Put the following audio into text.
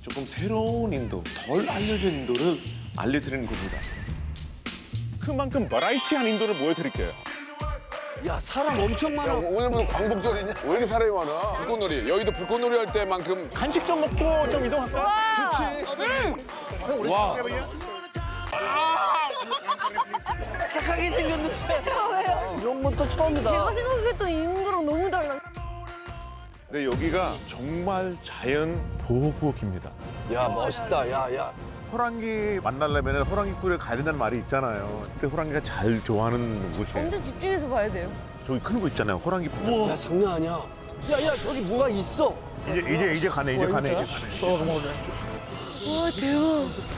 조금 새로운 인도, 덜 알려진 인도를 알려드리는 겁니다. 그만큼 버라이티한 인도를 보여드릴게요. 야 사람 엄청 많아. 오늘 무슨 광복절이냐? 왜 이렇게 사람이 많아? 불꽃놀이. 여의도 불꽃놀이 할 때만큼 간식 좀 먹고 좀 이동할까? 착하게 생겼는데. 이런 것도 처음이다. 제가 생각했던 인도랑 너무 달라. 근데 여기가 정말 자연 보호구역입니다. 야 멋있다. 야. 호랑이 만나려면 호랑이 굴에 가야 된다는 말이 있잖아요. 근데 호랑이가 잘 좋아하는 곳이에요. 완전 집중해서 봐야 돼요. 저기 큰 거 있잖아요. 호랑이 볼. 야 장난 아니야. 야 저기 뭐가 있어. 이제 가네. 와 대박.